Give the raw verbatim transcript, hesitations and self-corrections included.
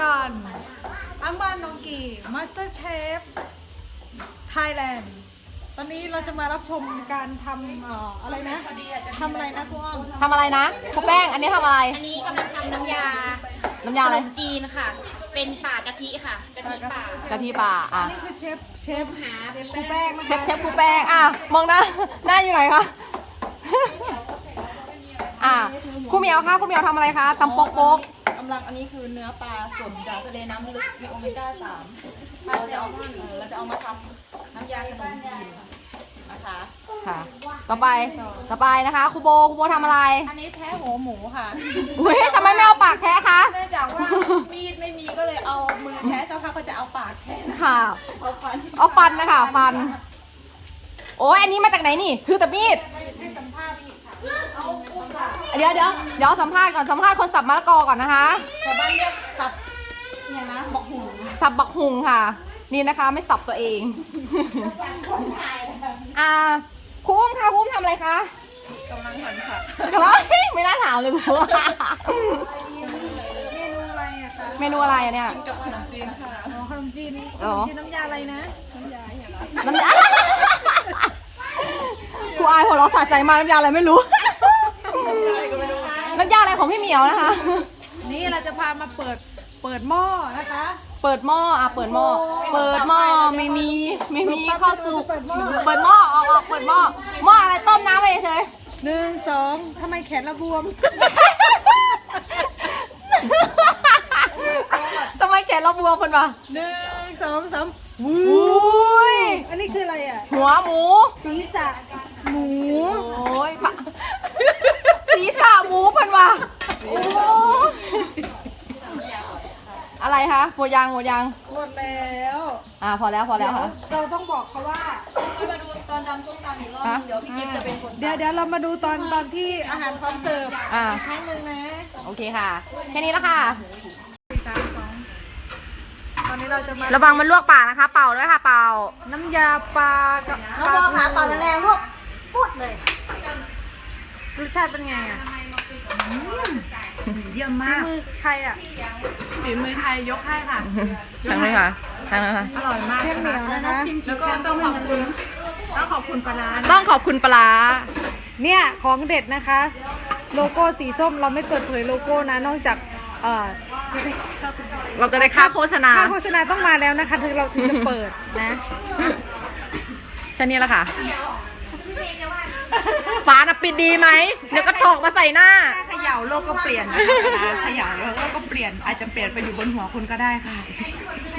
การอังบานนองกีมาสเตอร์เชฟไทยแลนด์ตอนนี้เราจะมารับชมการทำเอ่ออะไรนะทำอะไรนะคุณอ้อมทำอะไรนะครูแป้งอันนี้ทำอะไรอันนี้กำลังทำน้ำยาน้ำยาอะไรขนมจีนค่ะ เป็นป่ากะทิค่ะกะทิป่ากะทิป่าอ่ะนี่คือเชฟเชฟหาเชฟครูแป้งนะเชคะฟเชฟครูแป้งอ่ะมองหน้าหน้าอยู่ไหนคะอ่ะครูเหมียวคะครูเหมียวทำอะไรคะตำโป๊กโป๊กกำลังอันนี้คือเนื้อปลาสดจากทะเลน้ำลึกมีโอเมก้าสามเราจะเอาเออเราจะเอามาทำน้ำยาขนมจีนนะคะค่ะ ต่อไปต่อไปนะคะครูโบครูโบทำอะไรอันนี้แท้หัวหมูค่ะอุ้ยทำไมไม่เอาปากแท้คะเนื่องจากว่ามีดไม่มีก็เลยเอามือแท้สักพักก็จะเอาปากแท้ค่ะเอาฟันเอาฟันนะคะฟัน โอ้ยอันนี้มาจากไหนนี่คือแต่มีดเดี๋ยวเดี๋ยวเดี๋ยวสัมภาษณ์ก่อนสัมภาษณ์คนสับมะละกอก่อนนะคะชาวบ้านเรียกสับเนี่ยนะบอกหูสับบักหุงค่ะ นี่นะคะไม่สับตัวเอง อ่าครูอุ้มค่ะครูอุ้มทำอะไรคะกำลังหันค่ะเฮ้ยไม่น่าถามเลยครูเมนูอะไรอะคะเมนูอะไรอะเนี่ยกินกับขนมจีนค่ะอ๋อขนมจีนอ๋อขนมจีนน้ำยาอะไรนะน้ำยาครูอายหัวเราะสะใจมากน้ำยาอะไรไม่รู้ น้ำยาอะไรของพี่เหมียวนะคะนี่เราจะพามาเปิดเปิดหม้อนะคะเปิดหม้ออ่ะเปิดหม้อ เปิดหม้อไม่มีไม่มีข้าวสุกเปิดหม้อเปิดหม้อออกออกเปิดหม้อ หม้ออะไรต้มน้ำไปเฉยหนึ่งสองทำไมแขนเราบวมทำไมแขนเราบวมคนวะหนึ่งสองสามอุ้ยอันนี้คืออะไรอ่ะหัวหมูศีรษะหมูโอ้ยปะศีรษะหมูเพิ่นว่ะโอ้อะไรคะหมดยังหมดยังหมดแล้วอ่าพอแล้วพอแล้วค่ะเราต้องบอกเขาว่าก็มาดูตอนทำส้มตำอีกรอบนึงเดี๋ยวพี่กิฟต์จะเป็นคนเดี๋ยวเดี๋ยวเรามาดูตอนตอนที่อาหารพร้อมเสิร์ฟอ่าครั้งหนึ่งนะโอเคค่ะ แค่นี้แล้วค่ะสี่สามสองตอนนี้เราจะมาระวังมันลวกปากนะคะ เป่าด้วยค่ะ เป่าน้ำยาปลากับน้องบอขาเป่าแรงๆลูกพูดเลยรสชาติเป็นไงอ่ะเยี่ยมฝีมากมือใครอ่ะฝีมือไทยยกให้ค่ะช่างเลยค่ะช่างเลยค่ะอร่อยมากเที่ยงเหนียวนะคะแล้วก็ต้องขอบคุณต้องขอบคุณปลาร้าต้องขอบคุณปลาเนี่ยของเด็ดนะคะ โลโก้สีส้มเราไม่เปิดเผยโลโก้นะนอกจากเอ่อเราจะได้ค่าโฆษณาค่าโฆษณาต้องมาแล้วนะคะถึงเราถึงจะเปิดนะแค่นี้แหละค่ะฟ้าน่ะปิดดีไหม เดี๋ยวก็ฉกมาใส่หน้าเขย่าโลกก็เปลี่ยนนะคะเขย่าแล้วโลกก็เปลี่ยนอาจจะเปลี่ยนไปอยู่บนหัวคุณก็ได้ค่ะ